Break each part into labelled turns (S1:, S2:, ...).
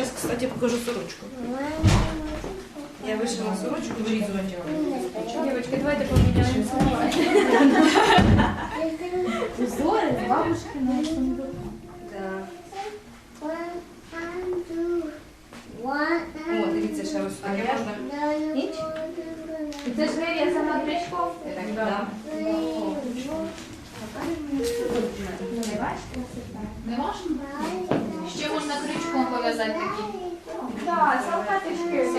S1: сейчас, кстати, покажу сорочку. Я вышила сорочку, вырезывать ее.
S2: Девочки, давайте поменяем слова. Узоры с бабушкиного сундука.
S1: Да. О, дивіться, ще ось таке можна. Ніч?
S2: І це ж вирізана крючком?
S1: Так, да.
S3: Не можна? Ще можна крючком пов'язати такі.
S2: Так, салфеточки.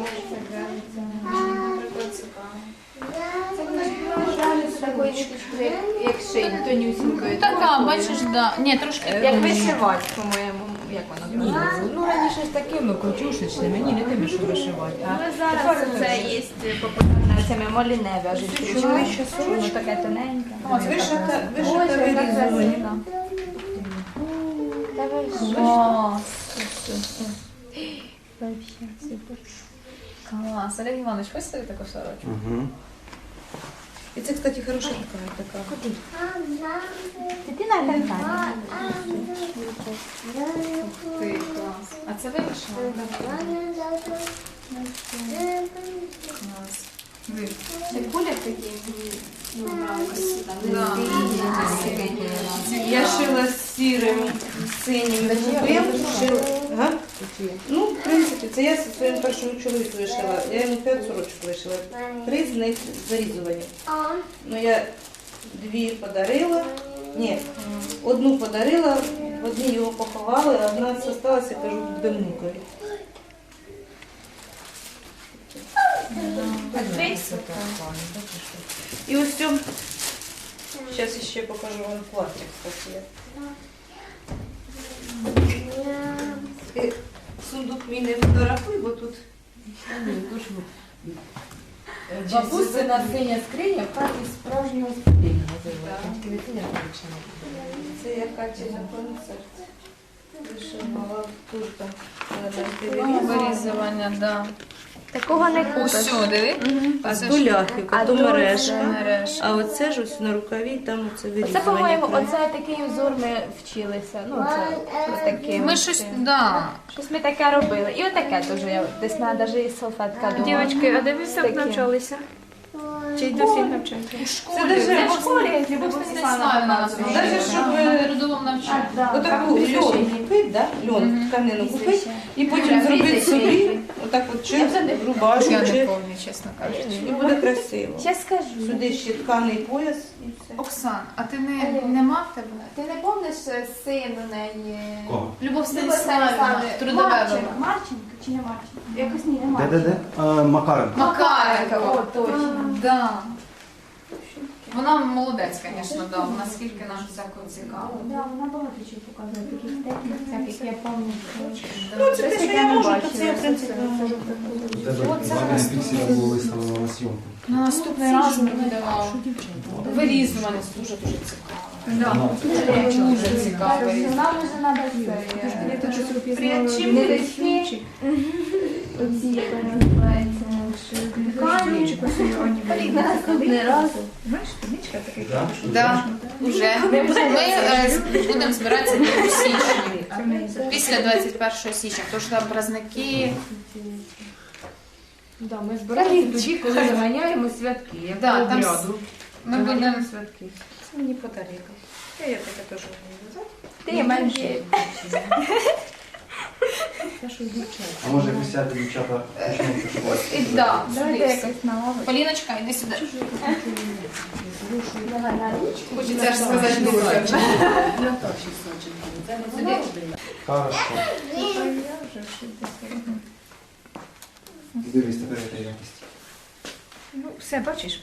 S2: Це вона ж вважає з такої ниточки, як шиї, тонюсінької.
S3: Така, бачиш, да. Ні, трошки.
S2: Як вишивати, по-моєму, як вона
S4: Ні, ну раніше ж такими крутюшечними, ні, не тими, що вишивати. А
S2: Ну, зараз це є популярне цими моліне в'яжуть крючками.
S1: ще
S2: Воно таке тоненьке.
S1: Вишита
S2: Ось,
S1: вирізування.
S2: яка Та ви що?
S3: Клас.
S2: Вообще, супер.
S3: Клас. Олег Іванович, хочеш собі таку сорочку?
S5: Угу.
S1: І це, кстати, хороша така.
S2: Дитина така.
S3: Ти, клас. А це ви вишивали? Клас. Ви.
S2: Це кулер такий.
S3: Да.
S1: Я шила з сірим, синім голубим. Ага. Ну, в принципі, це я зі своїм першим чоловіком вишила. Я йому 5 сорочок вишила. 3 з них зарізувані. Ну, я 2 подарила. Ні, одну подарила, в одній його поховали, а одна залишилася, кажу, будемо внукові. І ось цьому, зараз ще покажу вам плаття, кстати. І сундук мій не фотографуй, бо тут
S4: бабусина синя скриня в хаті справжнього спілення називається.
S1: це я Каті на концерт вишивала, дуже там
S3: Вирізування, да.
S2: Такого не купиш.
S3: Усьо, диви.
S1: А
S3: Це
S1: то
S3: ж
S1: ляхівка,
S2: А
S1: то
S2: то
S1: мережка.
S3: мережка.
S1: А оце ж ось на рукаві, там оце вирізування.
S2: Це, по-моєму, оце такий узор ми вчилися. Ну, це ось таке.
S3: Ми щось, да.
S2: Щось ми таке робили. І отаке теж я десь навіть і салфетка дома.
S6: Дівчатки, а де ви так
S2: Таке.
S6: навчалися? Чи й досі навчаєтеся?
S1: Це даже
S2: в школі, Любов Станіславівна.
S1: Даже щоб
S3: Трудовому навчанні.
S1: отаку льон купити, да? Льон, тканину купити, і потім зробити собі, отак от чи рубашку,
S3: Я не
S1: чи
S3: пам'ятаю, чесно кажучи.
S1: і буде красиво.
S2: Ще скажу.
S1: Сюди ще тканий пояс і все.
S3: Оксан, а ти нема в тебе?
S2: Ти не пам'ятаєш син у неї?
S5: Кого?
S3: Любов Станіславівна, трудове вибор.
S2: Марченко чи не Марченко? Якось ні, не Марченко.
S5: Де-де-де? Макаренко.
S3: Макаренко.
S2: О, точно.
S3: Да. Вона молодець, звісно, да. Вона скільки нам всякого цікаво.
S2: Да, вона багато чого показує, таких технік, всяких, я пам'ятаю.
S1: Ну, це те, що я можу, то це я, в принципі, можу.
S5: Ладно, пікселя було виставлено на зйомку.
S3: На наступний раз ми будемо вирізувати. Дуже-дуже цікаво. Да. Дуже цікаво.
S2: Нам вже треба це.
S1: Прячим
S2: Ниточки. Оці, як вона називається. На наступний раз.
S3: Да, уже. Ми будемо збиратися у січні. Після 21 січня, тому що там праздники.
S4: Да, ми збираємося тоді, коли заганяємо святки, як
S3: Да,
S4: по
S3: там
S4: обряду.
S3: Ми будемо
S4: святки.
S1: Це мені подарили. Я таке теж вмію.
S2: Ти менше.
S5: А може присяти дівчата почнуть вишивати?
S3: Да,
S2: Давайте якось на лаву.
S3: Поліночка, йди сюди.
S2: Давай на ручки.
S3: Хочеться ж сказати дуже.
S5: Хорошо. Дивись, тепер яка якість.
S6: Ну, все, бачиш,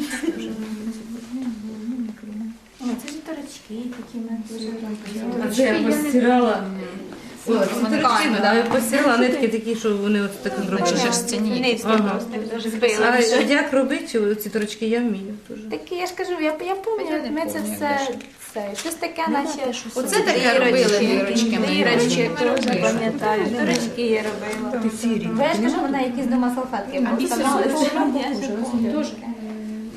S2: О, це ж торочки такі ми
S1: А це я постирала. Ось,
S3: Ткань, да.
S1: я постирала нитки такі, що вони ось так зроблені.
S3: Шерстяні.
S1: Ага.
S2: збили.
S1: А як робити ці торочки, я вмію дуже.
S2: Такі, я ж кажу, я пам'ятаю, ми це все, щось таке, наче...
S3: Оце таке робили дірочки.
S2: Дірочки, теж пам'ятаю, дірочки я робила.
S1: Ти сірі.
S2: Бо я ж кажу, вона якісь дома салфетки поставила.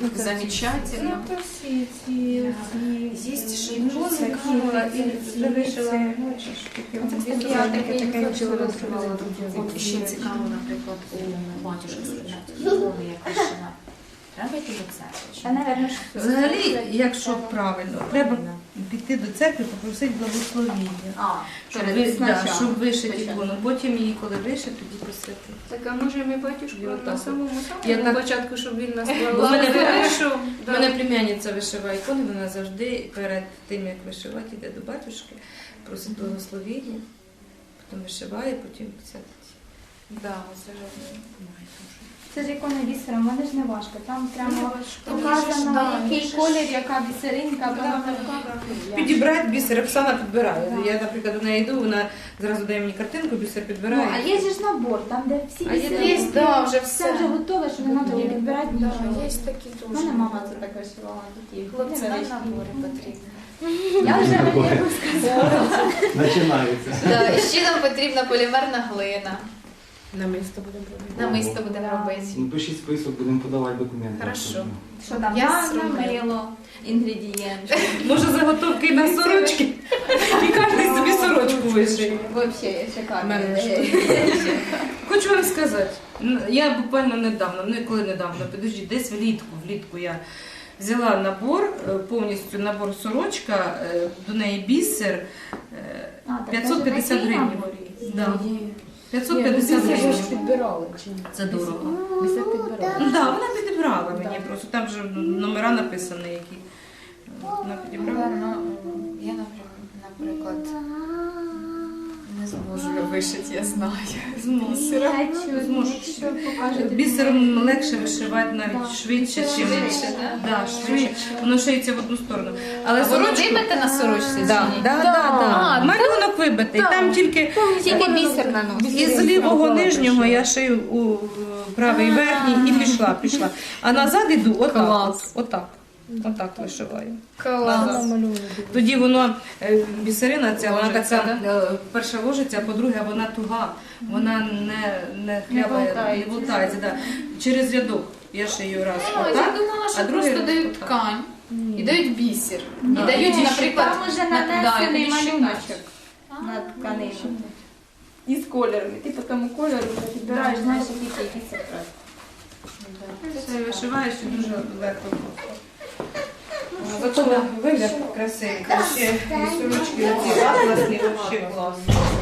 S3: замечательно.
S6: Ну, то всі ці
S3: Есть ще й
S1: Ну,
S3: дуже
S1: цікаво, і вже вишила.
S6: Я таке вчора розкривала.
S3: От ще цікаво, наприклад, у батюшки спитати, ікони, як вишила. Треба йти до церкви?
S2: Та, напевно, що
S1: Взагалі, якщо правильно, треба піти до церкви, попросити благословіння. Щоб вишити ікону. Потім її, коли вишити, тоді просити.
S6: Так, а може ми батюшку
S1: І отак
S6: на
S1: от.
S6: самому
S1: Я так-
S6: початку, щоб він нас
S1: У мене
S6: благословив.
S1: У мене племянниця вишиває ікони, вона завжди перед тим, як вишивати, йде до батюшки, просить благословіння, потім вишиває, потім святить.
S3: Да, це ж
S2: це ж ікона бісером, вони ж не важко. Там прямо
S3: Там
S2: показано,
S3: да,
S2: який
S3: ж-
S2: колір, яка бісеринка.
S1: Підібрати бісер, Оксана підбирає. Я, наприклад, до неї йду, вона зразу дає мені картинку, бісер
S2: Ну,
S1: підбирає.
S2: а є ж набор, там де всі
S1: А є
S2: бісеринки.
S3: да, вже
S2: Все вже готове, що не треба тоді підбирати нічого.
S3: Є такі
S2: У
S3: дуже.
S2: мене мама це так вишивала. такі
S3: Хлопці на
S2: невеличкі.
S3: набори потрібні.
S2: Я вже не можу сказати.
S5: Починається.
S3: Да, і ще нам потрібна полімерна глина.
S1: На місто будемо робити.
S3: Намисто будемо робити.
S5: Ну, пишіть список, будемо подавати документи.
S3: Хорошо.
S2: Що там?
S3: Я
S2: Ванна,
S3: зроблю.
S2: мило, інгредієнти.
S1: Може заготовки на сорочки? І кожен собі сорочку вишиє.
S2: Взагалі шикарно.
S1: Мене Хочу вам сказати, я буквально недавно, підожди, десь влітку я взяла набор, повністю набор сорочка, до неї бісер, 550 гривень. Да. 550 гривень.
S4: підбирали чи ні?
S1: Це дорого.
S4: Бісер підбирали.
S1: Ну так, вона підібрала мені просто, там же номера написані, які вона підібрала.
S3: Я, наприклад, не зможу вишити, я знаю.
S1: Бісером легше вишивати навіть швидше, ніж
S3: Швидше, да?
S1: швидше. Воно шиється в одну сторону. Але
S3: А воно
S1: сорочку...
S3: вибите на сорочці?
S1: Да,
S3: чи ні?
S1: да. Малюнок вибитий. Там тільки
S2: Тільки бісер наносить.
S1: із лівого нижнього я шию у правий верхній і пішла. А назад іду отак вишиваю.
S3: Клас.
S1: Тоді воно, бісерина ця, вона така, перша ложиться, а по-друге, вона туга, вона не хлябає, не болтається. Да. Через рядок я шию раз
S3: Я
S1: отак,
S3: думала, що
S1: а другий
S3: просто дають
S1: отак.
S3: ткань і дають бісер. І
S1: Да.
S3: дають,
S2: Ні,
S3: наприклад,
S2: там уже
S3: да,
S2: нанесений
S3: і тоді
S2: малюночок на тканину. Із кольорами. Ти по тому кольору вже підбираєш, знаєш, який секрет.
S1: Це вишиваєш і дуже легко. Зато вигляд красивий. Ще і сорочки оці атласні, взагалі клас.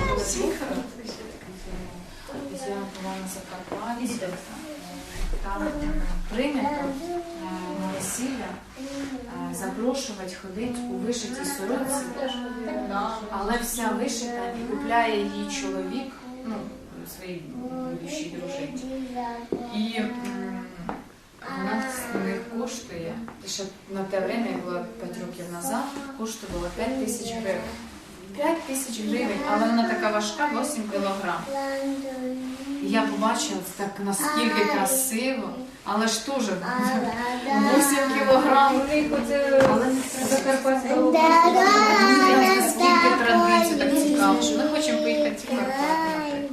S3: Я була на Закарпатті, там прийнято на весілля запрошувати ходити у вишитій сорочці, але вся вишита і купляє її чоловік, ну, своїй будущій дружині. І вона в них коштує, і ще на те время, як було 5 років назад, коштувала 5 тисяч гривень. 5 тисяч гривень, але вона така важка, 8 кілограм. І я побачила так наскільки красиво, але ж теж 8 кілограм. Але
S2: Закарпатського
S3: наскільки традицій так цікаво, що ми хочемо поїхати в Карпати.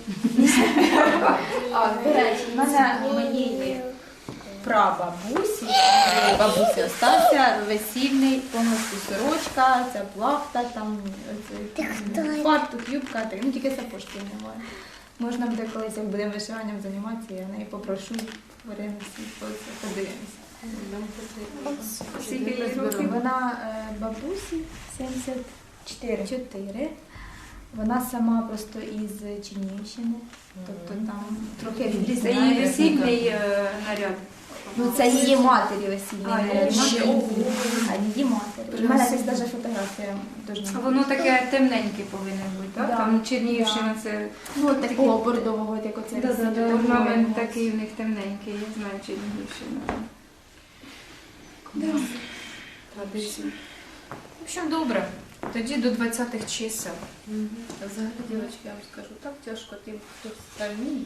S2: До речі, в мене моєї прабабусі, остався весільний, повністю сорочка, ця плахта, там фартук, юбка, ну тільки сапожки немає. Можна буде колись, як будемо вишиванням займатися, я неї попрошу, время всі подивимося. Скільки їй років? Вона бабусі 74. Вона сама просто із Чернігівщини, тобто там трохи відрізняє.
S6: Це її весільний наряд.
S2: Ну, це її матері весільний наряд.
S3: ще
S2: А її матері. У мене десь навіть фотографія дуже.
S6: А воно таке темненьке повинно бути, так?
S2: Да.
S6: Там Чернігівщина це...
S2: Ну, такого бордового, як оце.
S6: Орнамент такий у них темненький, я знаю Чернігівщину.
S3: Традиції. В общем, добре. Тоді до 20-х чисел.
S1: Взагалі, дівчатки, я вам скажу, так тяжко тим, хто стальний.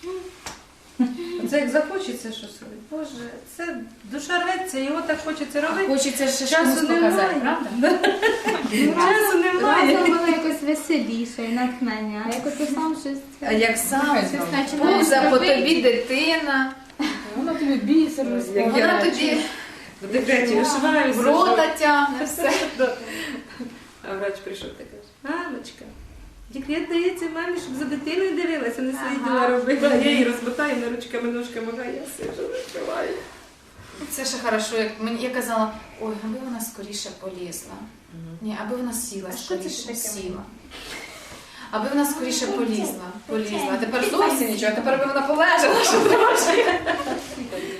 S1: Це як захочеться щось робити. Боже, це душа рветься, його так хочеться робити.
S3: Хочеться ще
S1: Часу
S3: комусь показати,
S1: немає.
S3: правда?
S1: Часу немає.
S2: Разом воно якось веселіше, натхнення. А як ти сам щось...
S3: А як сам
S2: Щось починаєш
S3: пуза, по
S2: робити.
S3: тобі дитина.
S2: Воно
S6: бісер розповідає.
S3: Вона тоді
S1: В декреті вишиваюся.
S3: в рота тягне все.
S1: А врач прийшов та каже, мамочка, декрет дається мамі, щоб за дитиною дивилася, не свої діла робила. Я її розмотаю на ручками, ножками, а я сижу, вишиваю.
S3: Це ще хорошо, як мені я казала, ой, аби вона скоріше полізла. Ні, аби вона сіла скоріше, сіла. Аби вона скоріше полізла. А тепер зовсім нічого, тепер аби вона полежала, що трошки.